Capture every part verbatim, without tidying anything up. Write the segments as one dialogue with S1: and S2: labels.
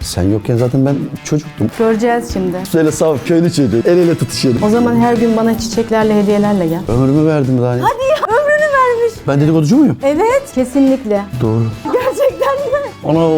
S1: Sen yokken zaten ben çocuktum.
S2: Göreceğiz şimdi.
S1: Böyle saf köylü çocuğu. El ele tutuşuyorduk.
S2: O zaman her gün bana çiçeklerle, hediyelerle gel.
S1: Ömrümü verdim daha ne?
S2: Hadi ya, ömrünü vermiş.
S1: Ben dedikoducu muyum?
S2: Evet, kesinlikle.
S1: Doğru.
S2: Gerçekten mi?
S1: Ana.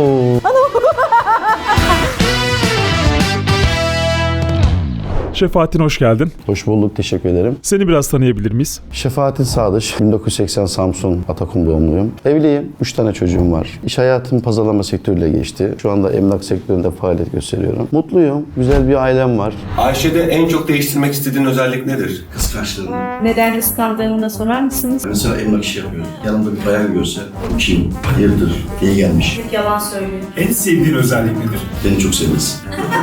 S3: Şefaattin hoş geldin.
S1: Hoş bulduk, teşekkür ederim.
S3: Seni biraz tanıyabilir miyiz?
S1: Şefaattin Sadıç, bin dokuz yüz seksen Samsun Atakum doğumluyum. Evliyim, üç tane çocuğum var. İş hayatım pazarlama sektörüyle geçti. Şu anda emlak sektöründe faaliyet gösteriyorum. Mutluyum, güzel bir ailem var.
S4: Ayşe'de en çok değiştirmek istediğin özellik nedir?
S5: Kıskançlığım.
S2: Neden kıskandığını da sorar mısınız?
S5: Mesela emlak işi yapıyorum. Yanımda bir bayan görse, kim, hayırdır, niye gelmiş?
S2: Yalan söylüyor.
S6: En sevdiğin özellik nedir?
S5: Beni çok sevmez.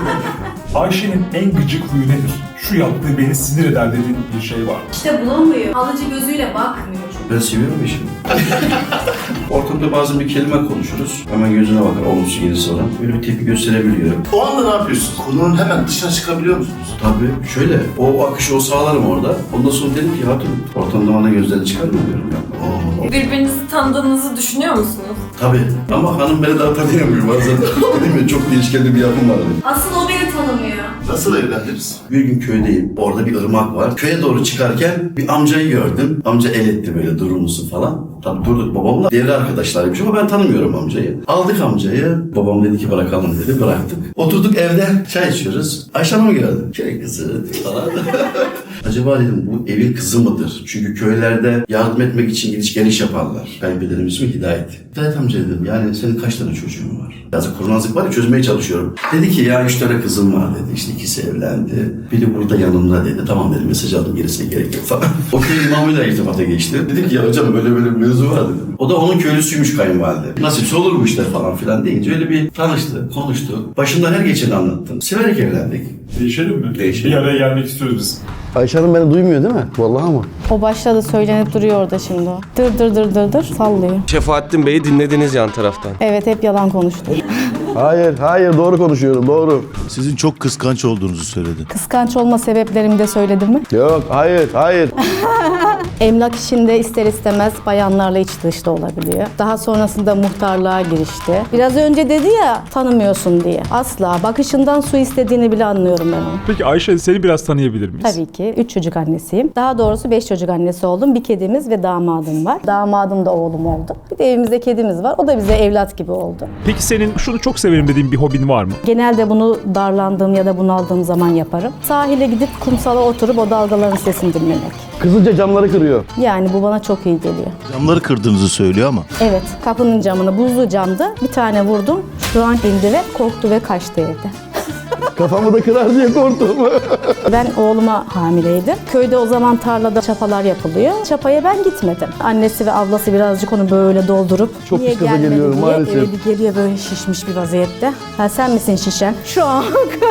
S6: Ayşe'nin en gıcık huyu nedir? Şu yaptığı beni sinir eder dediğin bir şey var.
S7: İşte bulamıyor. Alıcı gözüyle bakmıyor çünkü.
S5: Ben seviyorum işimi. Ortamda bazen bir kelime konuşuruz. Hemen gözüne bakar, olumsuz gelirse ona. Böyle bir tepki gösterebiliyorum.
S8: O anda ne yapıyorsun? Konunun hemen dışına çıkabiliyor musunuz?
S5: Tabii şöyle, o akışı o sağlarım orada. Ondan sonra dedim ki hatun, ortamda bana gözlerini çıkarmıyor diyorum ya. Oo.
S7: Birbirinizi tanıdığınızı düşünüyor musunuz?
S5: Tabii ama hanım beni daha tanıyamıyor bazen. Dedim ya çok değişkenli bir yapım var benim.
S7: Asıl o beni tanımıyor.
S8: Nasıl evlendiniz?
S5: Bir gün köydeyim. Orada bir ırmak var. Köye doğru çıkarken bir amcayı gördüm. Amca el etti böyle durur musun falan. Tabii durduk babamla. Devre arkadaşlarıymış ama ben tanımıyorum amcayı. Aldık amcayı. Babam dedi ki bırakalım dedi. Bıraktık. Oturduk evde çay içiyoruz. Ayşe Hanım'ı gördüm. Köy kızı falan. Acaba dedim bu evin kızı mıdır? Çünkü köylerde yardım etmek için gidiş geliş yaparlar. Kayınpederim ismi Hidayet. Hidayet amca dedim yani senin kaç tane çocuğun var? Yazık kurnazlık var ya çözmeye çalışıyorum. Dedi ki ya üç tane kızım var dedi. İşte ikisi evlendi. Biri burada yanımda dedi. Tamam dedim mesaj aldım gerisine gerek yok falan. O köy imamıyla irtibata geçti. Dedim ki ya hocam böyle böyle bir mevzu var dedim. O da onun köylüsüymüş kayınvalide. Nasipse olur bu işler falan filan deyince öyle bir tanıştı, konuştu. Başımdan her geçeni anlattım. Severek evlendik.
S6: Değişelim mi?
S5: Değişelim.
S6: Bir araya gelmek istiyoruz biz.
S1: Ayşe Hanım beni duymuyor değil mi? Vallahi mı?
S2: O başladı, söylenip duruyor orada şimdi o. Dır dır dır dır dır sallıyor.
S9: Şefaattin Bey'i dinlediniz yan taraftan.
S2: Evet, hep yalan konuştu.
S1: Hayır, hayır doğru konuşuyorum, doğru.
S8: Sizin çok kıskanç olduğunuzu söyledi.
S2: Kıskanç olma sebeplerimi de söyledim mi?
S1: Yok, hayır, hayır.
S2: Emlak işinde ister istemez bayanlarla iç dışta olabiliyor. Daha sonrasında muhtarlığa girişti. Biraz önce dedi ya tanımıyorsun diye. Asla. Bakışından su istediğini bile anlıyorum ben onu.
S3: Peki Ayşe seni biraz tanıyabilir miyiz?
S2: Tabii ki. Üç çocuk annesiyim. Daha doğrusu beş çocuk annesi oldum. Bir kedimiz ve damadım var. Damadım da oğlum oldu. Bir de evimizde kedimiz var. O da bize evlat gibi oldu.
S3: Peki senin şunu çok severim dediğin bir hobin var mı?
S2: Genelde bunu darlandığım ya da bunaldığım zaman yaparım. Sahile gidip kumsala oturup o dalgaların sesini dinlemek.
S1: Kızınca camları kırıyor.
S2: Yani bu bana çok iyi geliyor.
S8: Camları kırdığınızı söylüyor ama.
S2: Evet, kapının camını, buzlu camdı. Bir tane vurdum. Şu an indi ve korktu ve kaçtı evde.
S1: Kafamı da kırar diye korktum.
S2: Ben oğluma hamileydim. Köyde o zaman tarlada çapalar yapılıyor. Çapaya ben gitmedim. Annesi ve ablası birazcık onu böyle doldurup
S1: Çok
S2: niye
S1: pis gaza
S2: gelmedi
S1: geliyorum
S2: diye
S1: maalesef.
S2: eve bir geliyor böyle şişmiş bir vaziyette. Ha, sen misin şişen? Şu an.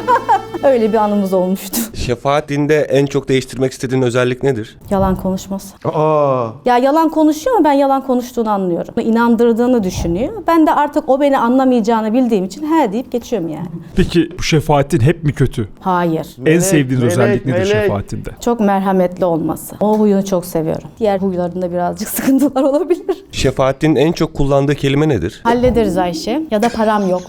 S2: Öyle bir anımız olmuştu.
S9: Şefaattin'de en çok değiştirmek istediğin özellik nedir?
S2: Yalan konuşması.
S1: Aa,
S2: Ya yalan konuşuyor ama ben yalan konuştuğunu anlıyorum. İnandırdığını düşünüyor. Ben de artık o beni anlamayacağını bildiğim için he deyip geçiyorum yani.
S3: Peki bu Şefaattin hep mi kötü?
S2: Hayır.
S3: en sevdiğin
S1: melek,
S3: özellik nedir
S1: melek.
S3: Şefaattin'de?
S2: Çok merhametli olması. O huyunu çok seviyorum. Diğer huylarında birazcık sıkıntılar olabilir.
S9: Şefaattin'in en çok kullandığı kelime nedir?
S2: Hallederiz Ayşe. Ya da param yok.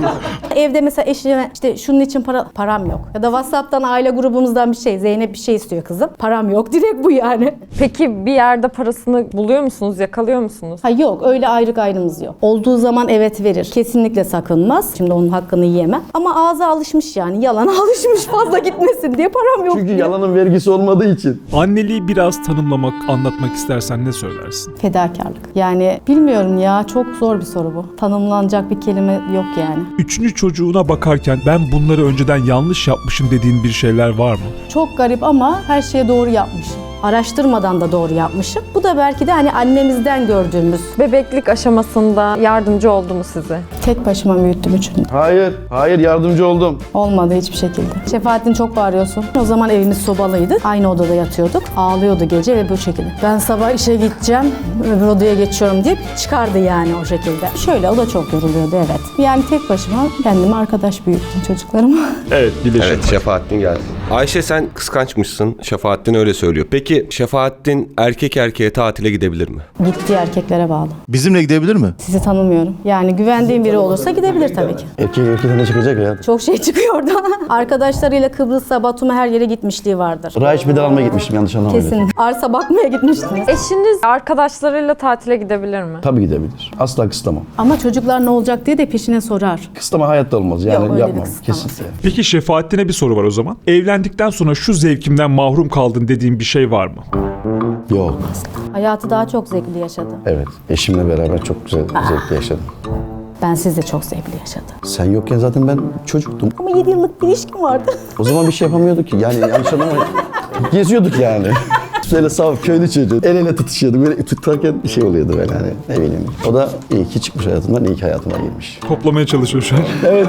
S2: Evde mesela eşime işte şunun için para param yok. Ya da WhatsApp'tan aile grubumuzdan bir şey. Zeynep bir şey istiyor kızım. Param yok. Direkt bu yani.
S10: Peki bir yerde parasını buluyor musunuz, yakalıyor musunuz?
S2: Ha yok, öyle ayrı gayrımız yok. Olduğu zaman evet verir. Kesinlikle sakınmaz. Şimdi onun hakkını yiyemem. Ama ağza alışmış yani. Yalana alışmış fazla gitmesin diye param yok
S1: çünkü
S2: diye.
S1: yalanın vergisi olmadığı için.
S3: Anneliği biraz tanımlamak, anlatmak istersen ne söylersin?
S2: Fedakarlık. Yani bilmiyorum ya, çok zor bir soru bu. Tanımlanacak bir kelime yok yani.
S3: Üçüncü çocuğuna bakarken ben bunları önceden yanlış yapmışım dediğin bir şeyler var mı?
S2: Çok garip ama her şeye doğru yapmışım. Araştırmadan da doğru yapmışım. Bu da belki de hani annemizden gördüğümüz.
S10: Bebeklik aşamasında yardımcı oldu mu size?
S2: Tek başıma büyüttüm üçünü.
S1: Hayır, hayır yardımcı oldum.
S2: Olmadı hiçbir şekilde. Şefaattin çok bağırıyorsun. O zaman evimiz sobalıydı. Aynı odada yatıyorduk. Ağlıyordu gece ve bu şekilde. Ben sabah işe gideceğim, öbür odaya geçiyorum deyip çıkardı yani o şekilde. Şöyle o da çok yoruluyordu evet. Yani tek başıma kendime arkadaş büyüttüm çocuklarımı.
S3: Evet, birleşelim.
S9: Evet, Şefaattin geldi. Ayşe sen kıskançmışsın. Şefaattin öyle söylüyor. Peki Peki Şefaattin erkek erkeğe tatile gidebilir mi?
S2: Gittiği erkeklere bağlı.
S8: Bizimle gidebilir mi?
S2: Sizi tanımıyorum. Yani güvendiğim biri olursa gidebilir tabii ki.
S1: Erkek erkekten ne çıkacak ya?
S2: Çok şey çıkıyor orada. Arkadaşlarıyla Kıbrıs'a, Batum'a her yere gitmişliği vardır.
S1: Rahiç bir de almaya gitmiştim yanlış anlamadım.
S2: Kesin. Arsa bakmaya gitmiştiniz.
S10: Eşiniz arkadaşlarıyla tatile gidebilir mi?
S1: Tabii gidebilir. Asla kısıtlamam.
S2: Ama çocuklar ne olacak diye de peşine sorar.
S1: Kısıtlama hayatta olmaz. Yani
S2: Yok, öyle bir
S1: yapmam.
S2: kısıtlaması.
S1: Kesinlikle.
S3: Peki Şefaattin'e bir soru var o zaman. Evlendikten sonra şu zevkimden mahrum kaldın dediğin bir şey var mı?
S1: Yok.
S2: Hayatı daha çok zevkli yaşadı.
S1: Evet. Eşimle beraber çok güzel, zevkli yaşadım.
S2: Ben sizle çok zevkli yaşadım.
S1: Sen yokken zaten ben çocuktum.
S2: Ama yedi yıllık bir ilişkim vardı.
S1: O zaman bir şey yapamıyorduk ki. Yani yanlış anlamayın. Geziyorduk yani. Böyle saf köylü çocuğu. El ele tutuşuyorduk. Böyle tutarken bir şey oluyordu böyle hani. Ne bileyim. O da iyi ki çıkmış hayatımdan, iyi ki hayatıma girmiş.
S3: Toplamaya çalışıyor şu an.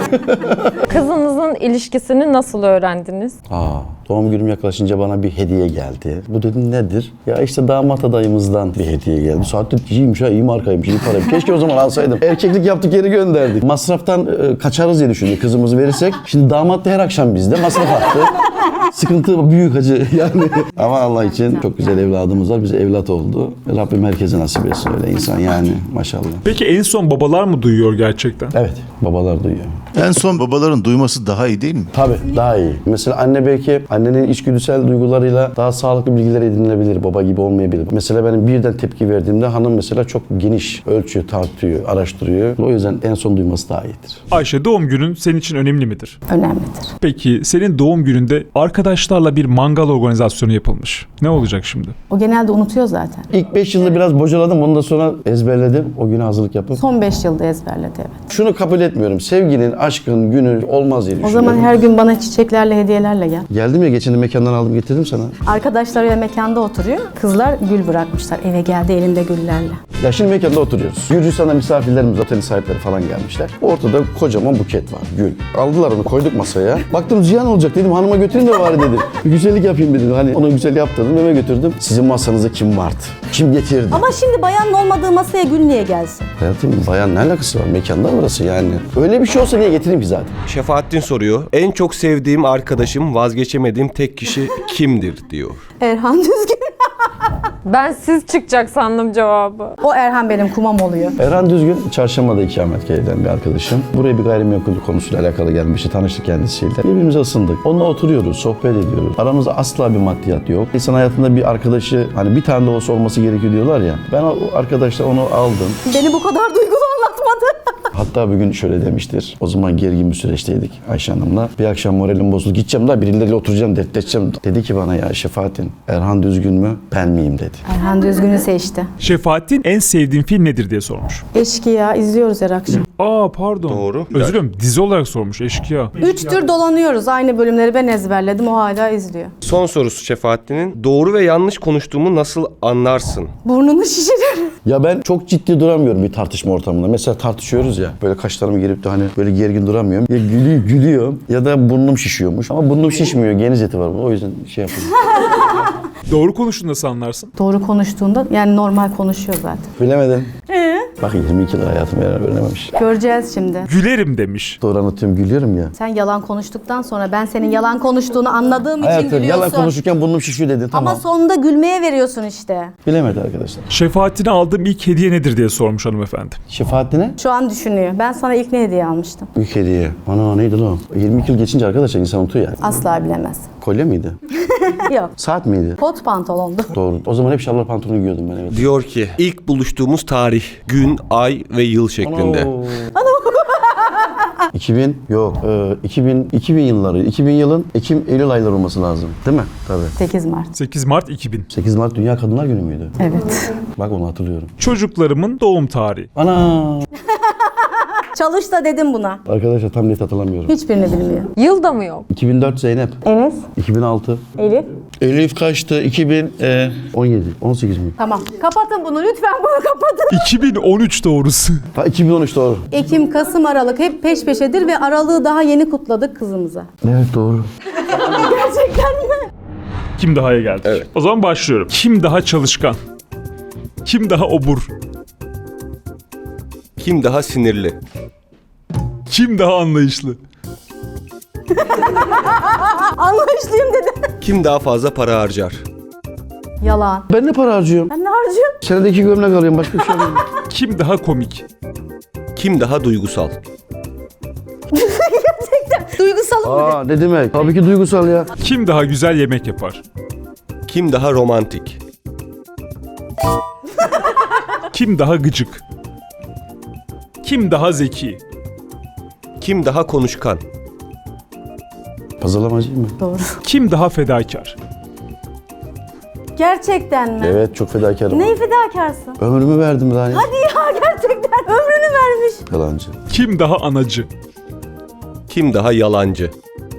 S10: Kızınızın ilişkisini nasıl öğrendiniz?
S1: Aa, doğum günüm yaklaşınca bana bir hediye geldi. Bu dedim nedir? Ya işte damat adayımızdan bir hediye geldi. Saatte iyiymiş ha, iyi markaymış, iyi paraymış. Keşke o zaman alsaydım. Erkeklik yaptık, geri gönderdik. Masraftan e, kaçarız diye düşündük kızımızı verirsek. Şimdi damat da her akşam bizde masraf attı. Sıkıntı büyük acı yani. Ama Allah için çok güzel evladımız var. Bize evlat oldu. Rabbim herkese nasip etsin öyle insan yani maşallah.
S3: Peki en son babalar mı duyuyor gerçekten?
S1: Evet, babalar duyuyor.
S8: En son babaların duyması daha iyi değil mi?
S1: Tabii daha iyi. Mesela anne belki annenin içgüdüsel duygularıyla daha sağlıklı bilgiler edinilebilir. Baba gibi olmayabilir. Mesela benim birden tepki verdiğimde hanım mesela çok geniş ölçüyor, tartıyor, araştırıyor. O yüzden en son duyması daha iyidir.
S3: Ayşe, doğum günün senin için önemli midir?
S2: Önemlidir.
S3: Peki senin doğum gününde arkadaşlarla bir mangal organizasyonu yapılmış. Ne olacak şimdi?
S2: O genelde unutuyor zaten.
S1: İlk beş yılda biraz bocaladım. Ondan sonra ezberledim. O güne hazırlık yapıp.
S2: Son beş yılda ezberledi evet.
S1: Şunu kabul etmiyorum. Sevginin, aşkın günü olmaz diye
S2: O
S1: düşünüyorum.
S2: zaman her gün bana çiçeklerle, hediyelerle gel.
S1: Geldim ya geçen de mekandan aldım getirdim sana.
S2: Arkadaşlarıyla mekanda oturuyor. Kızlar gül bırakmışlar. Eve geldi elinde güllerle.
S1: Ya şimdi mekanda oturuyoruz. Gürcistan'da misafirlerimiz, otelin sahipleri falan gelmişler. Ortada kocaman buket var, gül. Aldılar onu, koyduk masaya. Baktım ziyan olacak dedim, hanıma götürün de bari dedim. Bir güzellik yapayım dedim. Hani ona güzel yaptırdım, eve götürdüm. Sizin masanıza kim vardı? Kim getirdi?
S2: Ama şimdi bayanın olmadığı masaya gül niye gelsin?
S1: Hayatım bayan ne alakası var? Mekanda burası yani. Öyle bir şey olsa niye getireyim ki zaten?
S9: Şefaattin soruyor. En çok sevdiğim arkadaşım, vazgeçemediğim tek kişi kimdir diyor.
S2: Erhan Düzgün.
S10: Ben siz çıkacak sandım cevabı.
S2: O Erhan benim kumam oluyor.
S1: Erhan Düzgün, Çarşamba'da ikametgah eden bir arkadaşım. Buraya bir gayrimenkul konusuyla alakalı gelmişti, tanıştık kendisiyle. Birbirimize ısındık. Onunla oturuyoruz, sohbet ediyoruz. Aramızda asla bir maddiyat yok. İnsan hayatında bir arkadaşı, hani bir tane de olsa olması gerekiyor diyorlar ya. Ben o arkadaşla onu aldım.
S2: Beni bu kadar duygulu anlatmadı.
S1: Hatta bir gün şöyle demiştir. O zaman gergin bir süreçteydik Ayşe Hanım'la. Bir akşam moralim bozuldu. Gideceğim daha birileriyle oturacağım, dertleşeceğim. Dedi ki bana ya Şefaattin, Erhan Düzgün mü, ben miyim dedi.
S2: Erhan Düzgün'ü seçti.
S3: Şefaattin en sevdiğin film nedir diye sormuş.
S2: Eşkıya izliyoruz her akşam.
S3: Aa pardon.
S9: Doğru.
S3: Özür dilerim, dizi olarak sormuş Eşkıya.
S2: Üç tür dolanıyoruz. Aynı bölümleri ben ezberledim. O hala izliyor.
S9: Son sorusu Şefaattin'in. Doğru ve yanlış konuştuğumu nasıl anlarsın?
S2: Burnunu şişirir.
S1: Ya ben çok ciddi duramıyorum bir tartışma ortamında. Mesela tartışıyoruz ya, böyle kaşlarımı gerip de hani böyle gergin duramıyorum. Ya gülüyor, gülüyorum ya da burnum şişiyormuş. Ama burnum şişmiyor, geniz eti var. O yüzden şey yapıyorum.
S3: Doğru konuştuğunu nasıl anlarsın?
S2: Doğru konuştuğunda yani normal konuşuyor zaten.
S1: Bilemedim.
S2: Ee?
S1: Bak yirmi iki yıl hayatımı öğrenememiş.
S2: Göreceğiz şimdi.
S3: Gülerim demiş.
S1: Doğru anlatıyorum, gülüyorum ya.
S2: Sen yalan konuştuktan sonra ben senin yalan konuştuğunu anladığım için
S1: Hayatım
S2: gülüyorsun.
S1: yalan konuşurken burnum şişiyor dedin, tamam.
S2: Ama sonunda gülmeye veriyorsun işte.
S1: Bilemedi arkadaşlar.
S3: Şefaattin'e aldığım ilk hediye nedir diye sormuş hanımefendi.
S1: Şefaatine?
S2: Şu an düşünüyor. Ben sana ilk ne hediye almıştım?
S1: Büyük hediye. Ana neydi lan? yirmi iki yıl geçince arkadaşlar insan unutuyor yani.
S2: Asla bilemez.
S1: Kolye miydi?
S2: Yok.
S1: Saat miydi?
S2: Kot pantolondu.
S1: Doğru. O zaman hep şalvar pantolonu giyiyordum ben, evet.
S9: Diyor ki ilk buluştuğumuz tarih, gün, ay ve yıl şeklinde.
S1: iki bin yok. E, iki bin iki bin yılları. iki bin yılın Ekim Eylül ayları olması lazım. Değil mi? Tabii.
S2: sekiz Mart.
S3: sekiz Mart iki bin.
S1: sekiz Mart Dünya Kadınlar Günü müydü?
S2: Evet.
S1: Bak onu hatırlıyorum.
S3: Çocuklarımın doğum tarihi.
S1: Ana!
S2: Çalış da dedim buna.
S1: Arkadaşlar tam net hatırlamıyorum.
S2: Hiçbirini bilmiyor.
S10: Yıl da mı yok?
S1: iki bin dört Zeynep.
S2: Enes.
S1: iki bin altı.
S2: Elif.
S1: Elif kaçtı? iki bin on yedi. on sekiz mi?
S2: Tamam. Kapatın bunu. Lütfen bunu kapatın.
S3: iki bin on üç doğrusu.
S1: Ha iki bin on üç doğru.
S2: Ekim, Kasım, Aralık hep peş peşedir ve Aralık'ı daha yeni kutladık kızımıza.
S1: Evet doğru.
S2: Gerçekten mi?
S3: Kim daha'ya geldik.
S9: Evet.
S3: O zaman başlıyorum. Kim daha çalışkan? Kim daha obur?
S9: Kim daha sinirli?
S3: Kim daha anlayışlı?
S2: Anlaşılıyım dedi.
S9: Kim daha fazla para harcar?
S2: Yalan.
S1: Ben ne para harcıyorum?
S2: Ben ne harcıyorum?
S1: Senedeki gömlek alıyorum, başka bir şey alıyorum.
S3: Kim daha komik?
S9: Kim daha duygusal?
S2: Duygusalım mı?
S1: Aa ne demek? Tabii ki duygusal ya.
S3: Kim daha güzel yemek yapar?
S9: Kim daha romantik?
S3: Kim daha gıcık? Kim daha zeki?
S9: Kim daha konuşkan?
S1: Pazarlamacıyım mı?
S2: Doğru.
S3: Kim daha fedakar?
S2: Gerçekten mi?
S1: Evet, çok fedakarım.
S2: Neyi fedakarsın?
S1: Ömrümü verdim daha.
S2: Hadi ya, gerçekten ömrünü vermiş.
S1: Yalancı.
S3: Kim daha anacı?
S9: Kim daha yalancı?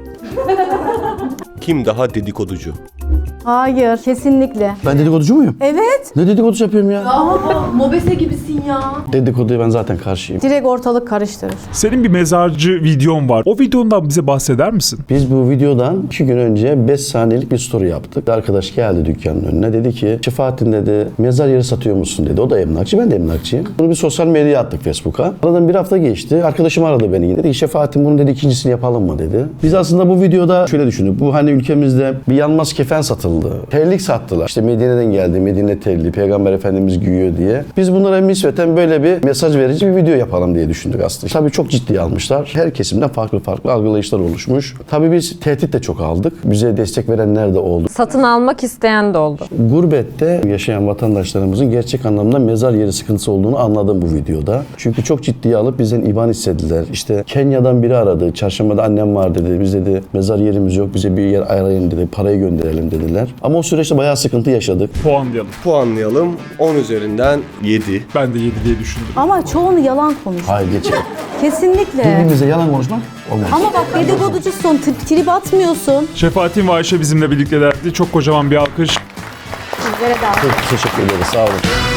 S9: Kim daha dedikoducu?
S2: Hayır, kesinlikle.
S1: Ben dedikoducu muyum?
S2: Evet.
S1: Ne dedikodusu yapıyorum ya?
S7: Mobese gibisin ya.
S1: Dedikoduya ben zaten karşıyım.
S2: Direkt ortalık karıştırır.
S3: Senin bir mezarcı videon var. O videondan bize bahseder misin?
S1: Biz bu videodan iki gün önce beş saniyelik bir story yaptık. Bir arkadaş geldi dükkanın önüne. Dedi ki Şefaattin dedi mezar yeri satıyor musun dedi. O da emlakçı, ben de emlakçıyım. Bunu bir sosyal medyaya attık, Facebook'a. Aradan bir hafta geçti. Arkadaşım aradı beni. Dedi ki Şefaattin bunu dedi ikincisini yapalım mı dedi. Biz aslında bu videoda şöyle düşündük. Bu hani ülkemizde bir yanmaz kefen satıldı. Terlik sattılar. İşte Medine'den geldi. Medine terliği. Peygamber Efendimiz giyiyor diye. Biz bunlara nispeten böyle bir mesaj verici bir video yapalım diye düşündük aslında. Tabii çok ciddiye almışlar. Her kesimden farklı farklı algılayışlar oluşmuş. Tabii biz tehdit de çok aldık. Bize destek verenler de oldu.
S10: Satın almak isteyen de oldu.
S1: Gurbette yaşayan vatandaşlarımızın gerçek anlamda mezar yeri sıkıntısı olduğunu anladım bu videoda. Çünkü çok ciddiye alıp bizden IBAN istediler. İşte Kenya'dan biri aradı. Çarşambada annem var dedi. Biz dedi mezar yerimiz yok. Bize bir yer ayarlayın dedi. Parayı gönderelim dediler. Ama o süreçte bayağı sıkıntı yaşadık.
S3: Puanlayalım.
S9: Puanlayalım. on üzerinden yedi.
S3: Ben de yedi diye düşündüm.
S2: Ama çoğunu yalan konuş.
S1: Hayır geçelim.
S2: Kesinlikle.
S1: Birbirimize yalan konuşmak olmaz.
S2: Ama bak dedikoducusun, tri- trip atmıyorsun.
S3: Şefaattin ve Ayşe bizimle birliktelerdi. Çok kocaman bir alkış.
S2: Sizlere de
S1: Çok teşekkür ederiz. Sağ olun.